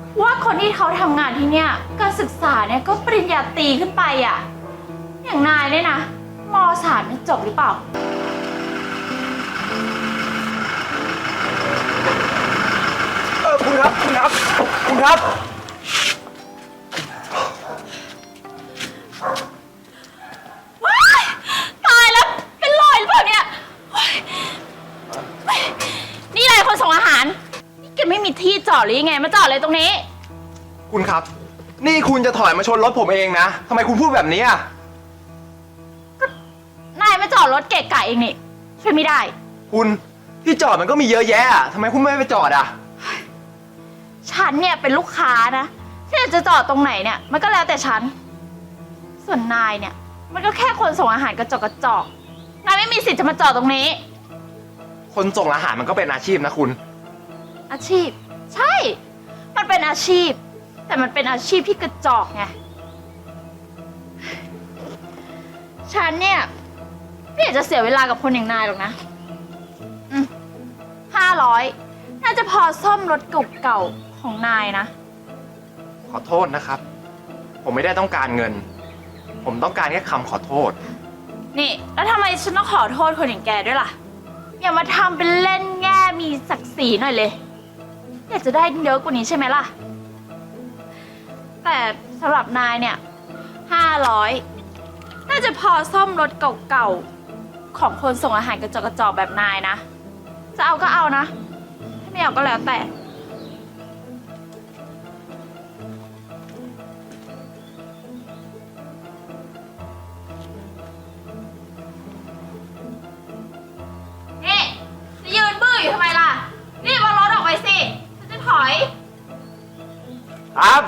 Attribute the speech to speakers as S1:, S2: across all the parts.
S1: ว่าคนที่เขาทำงานที่เนี่ยการศึกษาเนี่ยก็ปริญญาตรีขึ้นไปอ่ะอย่างนายเนี่ยนะม.3เนี่ยจบหรือเปล่า
S2: คุณครับ
S1: ว้ายตายแล้วเป็นรอยหรือเปล่าเนี่ยนี่อะไรคนส่งอาหารนี่แกไม่มีที่จอดหรือยังไงมาจอดเลยตรงนี้
S2: คุณครับนี่คุณจะถอยมาชนรถผมเองนะทำไมคุณพูดแบบนี้อ่ะ
S1: นายมาจอดรถเกะกะเองนี่ช่วยไม่ได้
S2: คุณที่จอดมันก็มีเยอะแยะทำไมคุณไม่ไปจอดอ่ะ
S1: ฉันเนี่ยเป็นลูกค้านะที่จะจอดตรงไหนเนี่ยมันก็แล้วแต่ฉันส่วนนายเนี่ยมันก็แค่คนส่งอาหารกระจอกนายไม่มีสิทธิ์จะมาจอดตรงนี้
S2: คนส่งอาหารมันก็เป็นอาชีพนะคุณ
S1: อาชีพใช่มันเป็นอาชีพแต่มันเป็นอาชีพที่กระจอกไงฉันเนี่ยไม่อยากจะเสียเวลากับคนอย่างนายหรอกนะ500น่าจะพอซ่อมรถเก่าๆของนายนะ
S2: ขอโทษนะครับผมไม่ได้ต้องการเงินผมต้องการแค่คำขอโทษ
S1: นี่แล้วทำไมฉันต้องขอโทษคนอย่างแกด้วยล่ะอย่ามาทำเป็นเล่นแง่มีศักดิ์ศรีหน่อยเลยอยากจะได้เยอะกว่านี้ใช่ไหมล่ะแต่สำหรับนายเนี่ย500น่าจะพอซ่อมรถเก่าๆของคนส่งอาหารกระจอกแบบนายนะจะเอาก็เอานะถ้าไม่เอาก็แล้วแต่นี่จะยืนบื้ออยู่ทำไมล่ะรีบเอารถออกไปสิฉันจะถอย
S2: ครับ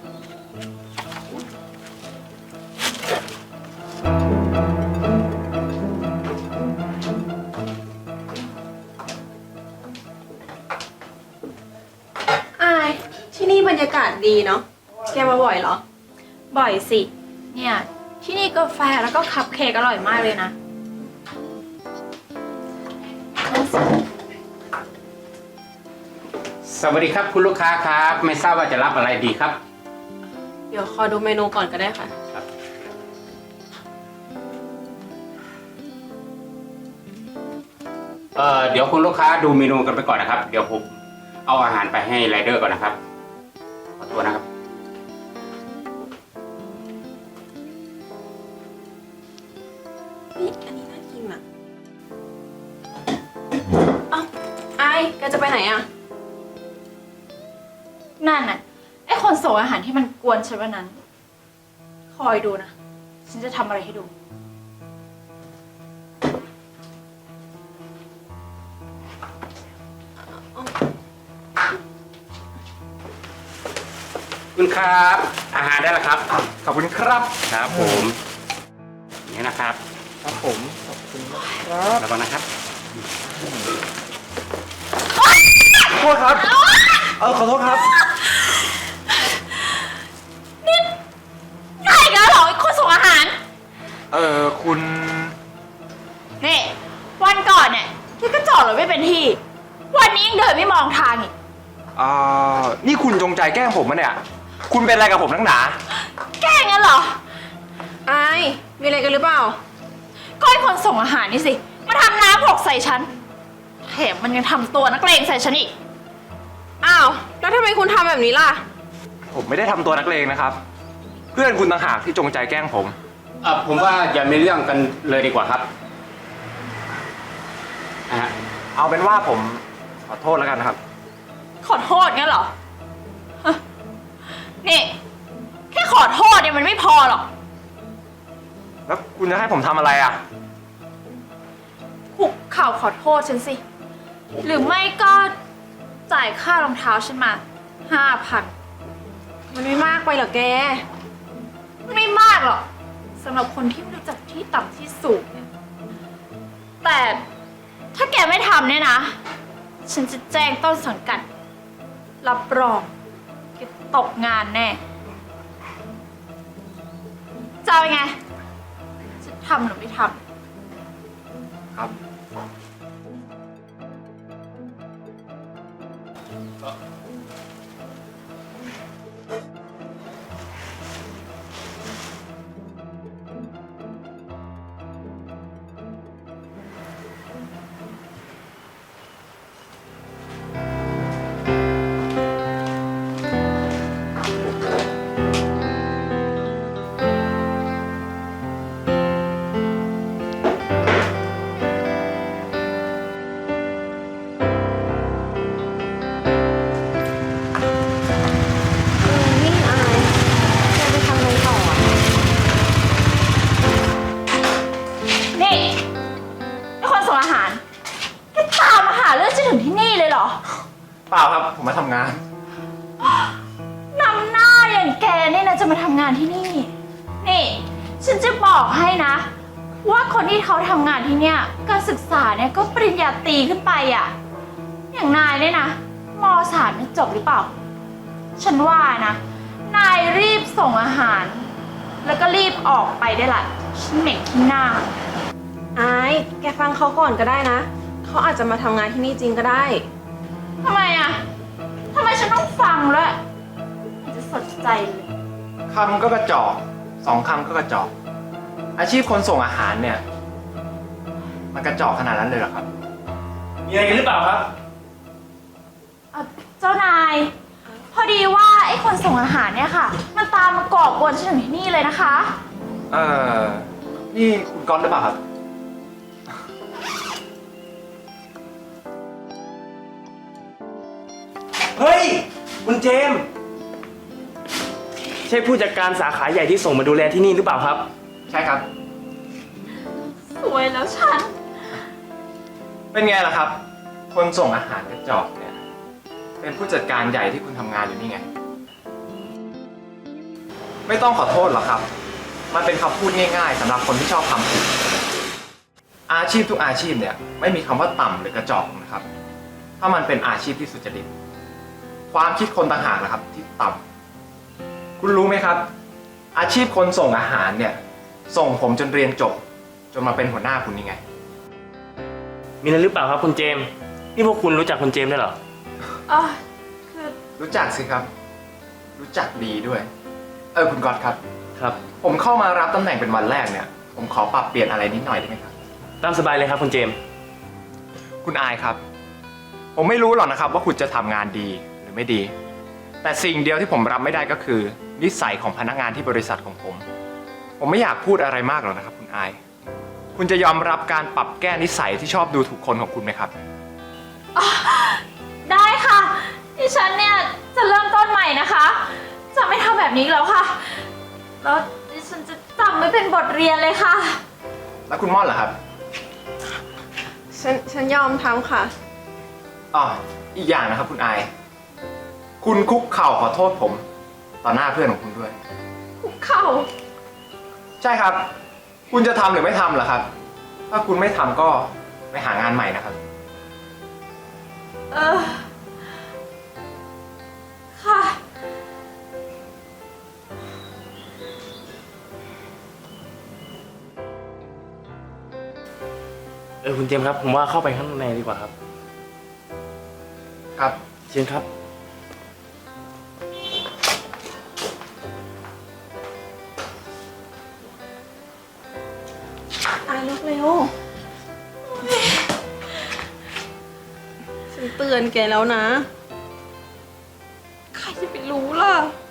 S3: ที่นี่บรรยากาศดีเนาะ แกมาบ่อยเหรอ
S1: บ่อยสิเนี่ยที่นี่กาแฟแล้วก็คัพเค้กอร่อยมากเลยนะ
S4: สวัสดีครับคุณลูกค้าครับไม่ทราบว่าจะรับอะไรดีครับ
S3: เดี๋ยวขอดูเมนูก่อนก็ได้ค่ะ
S4: ครับเดี๋ยวคุณลูกค้าดูเมนูกันไปก่อนนะครับเดี๋ยวผมเอาอาหารไปให้ไรเดอร์ก่อนนะครับขอตัวนะครับ
S3: นี่อันนี้น่ากินอ่ะเอ้าไอ้แกจะไปไหนอ่ะ
S1: นั่นน่ะไอคนส่งอาหารที่มันกวนฉันวันนั้นคอยดูนะฉันจะทำอะไรให้ดู
S4: คุณครับอาหารได้แล้วครับ
S2: ขอบคุณครับ
S4: ครับผมนี่นะครับ
S2: ครับผมขอบคุณนะครับ
S4: ระวังนะครับ
S2: ขอโทษครับขอโทษครับ
S1: นี่ง่ายกันเหรอไอคนส่งอาหาร
S2: คุณ
S1: นี่วันก่อนเนี่ยที่ก็จอดรถไม่เป็นที่วันนี้ยังเดินไม่มองทางอีก
S2: นี่คุณจงใจแกล้งผมมะเนี่ยคุณเป็นอะไรกับผมทั้งหนา
S1: แกล้งงั้นเหรอ
S3: ไอ้มีอะไรกันหรือเปล่า
S1: ก็ไอคนส่งอาหารนี่สิมาทำน้ำหกใส่ฉันแถมมันยังทำตัวนักเลงใส่ฉันอีก
S3: อ้าวแล้วทำไมคุณทำแบบนี้ล่ะ
S2: ผมไม่ได้ทำตัวนักเลงนะครับเพื่อนคุณต่างหากที่จงใจแกล้งผม
S4: ผมว่าอย่ามีเรื่องกันเลยดีกว่าครับ
S2: เอาเป็นว่าผมขอโทษแล้วกันครับ
S1: ขอโทษงั้นเหรอนี่แค่ขอโทษเนี่ยมันไม่พอหรอก
S2: แล้วคุณจะให้ผมทำอะไรอ่ะ
S1: คุกเข่าขอโทษฉันสิหรือไม่ก็จ่ายค่ารองเท้าฉันมา5,000
S3: มันไม่มากไปเหรอแก
S1: ไม่มากหรอกสำหรับคนที่ไม่รู้จักที่ต่ำที่สูงเนี่ยแต่ถ้าแกไม่ทำเนี่ยนะฉันจะแจ้งต้นสังกัดรับรองแกตกงานแน่จะเอาไงจะทำหรือไม่ทำ
S2: ครับ
S1: จะมาทำงานที่นี่ นี่ ฉันจะบอกให้นะ ว่าคนที่เขาทำงานที่เนี่ยการศึกษาเนี่ยก็ปริญญาตรีขึ้นไปอะ อย่างนายเนี่ยนะม.3เนี่ยจบหรือเปล่า ฉันว่านะ นายรีบส่งอาหาร แล้วก็รีบออกไปได้ละ ฉันเหม็นขี้หน้า
S3: อาย แกฟังเขาก่อนก็ได้นะ เขาอาจจะมาทำงานที่นี่จริงก็ได้
S1: ทำไมอะทำไมฉันต้องฟังด้วยมันจะสนใจเลย
S2: คำก็กระจอกสองคำก็กระจอก อาชีพคนส่งอาหารเนี่ย มันกระจอกขนาดนั้นเลยเหรอครับ
S5: มีอะไรกันหรือเปล่าครับ
S1: เจ้านาย พอดีว่าไอ้คนส่งอาหารเนี่ยค่ะ มันตามมาก่อกวนฉันถึงที่นี่เลยนะคะ
S2: นี่คุณก๊อตหรือเปล่าครับ
S5: เฮ้ย คุณเจมส์ใช่ผู้จัดการสาขาใหญ่ที่ส่งมาดูแลที่นี่หรือเปล่าครับ
S2: ใช่ครับ
S1: สวยแล้วฉัน
S2: เป็นไงล่ะครับ คนส่งอาหารกระจอกเนี่ย เป็นผู้จัดการใหญ่ที่คุณทำงานอยู่นี่ไง ไม่ต้องขอโทษหรอกครับ มันเป็นคำพูดง่ายๆสำหรับคนที่ชอบทำผิดอาชีพทุกอาชีพเนี่ยไม่มีคำว่าต่ำหรือกระจอกนะครับ ถ้ามันเป็นอาชีพที่สุจริต ความคิดคนต่างหากนะครับที่ต่ำคุณรู้ไหมครับ อาชีพคนส่งอาหารเนี่ย ส่งผมจนเรียนจบ จนมาเป็นหัวหน้าคุณนี่ไง
S5: มีอะไรหรือเปล่าครับคุณเจมส์นี่พวกคุณรู้จักคุณเจมส์ได้วยเหรอ
S1: คือ
S2: รู้จักสิครับ รู้จักดีด้วย คุณก๊อตครับ
S5: ครับ
S2: ผมเข้ามารับตำแหน่งเป็นวันแรกเนี่ย ผมขอปรับเปลี่ยนอะไรนิดหน่อยได้ไหมครับ
S5: ตามสบายเลยครับคุณเจมส์
S2: คุณอายครับ ผมไม่รู้หรอกนะครับว่าคุณจะทำงานดีหรือไม่ดี แต่สิ่งเดียวที่ผมรับไม่ได้ก็คือนิสัยของพนักงานที่บริษัทของผม ผมไม่อยากพูดอะไรมากหรอกนะครับ คุณอาย คุณจะยอมรับการปรับแก้นิสัยที่ชอบดูถูกคนของคุณไหมครับ
S1: ได้ค่ะดิฉันเนี่ยจะเริ่มต้นใหม่นะคะ จะไม่ทำแบบนี้อีกแล้วค่ะ แล้วดิฉันจะจำไม่เป็นบทเรียนเลยค่ะ
S2: แล้วคุณม่อนล่ะครับ
S3: ฉันยอมทำค่ะ
S2: อีกอย่างนะครับคุณอาย คุณคุกเข่าขอโทษผมต่อหน้าเพื่อนของคุณด้วย
S1: คุกเข่า
S2: ใช่ครับ คุณจะทำหรือไม่ทำล่ะครับ ถ้าคุณไม่ทำก็ไปหางานใหม่นะครับ
S1: ค่ะ
S5: คุณเจมส์ครับผมว่าเข้าไปข้างในดีกว่าครับ
S2: ครับ
S5: เชิญครับ
S3: อายลุกเร็ว ฉันเตือนแกแล้วนะ
S1: ใครจะไปรู้ล่ะ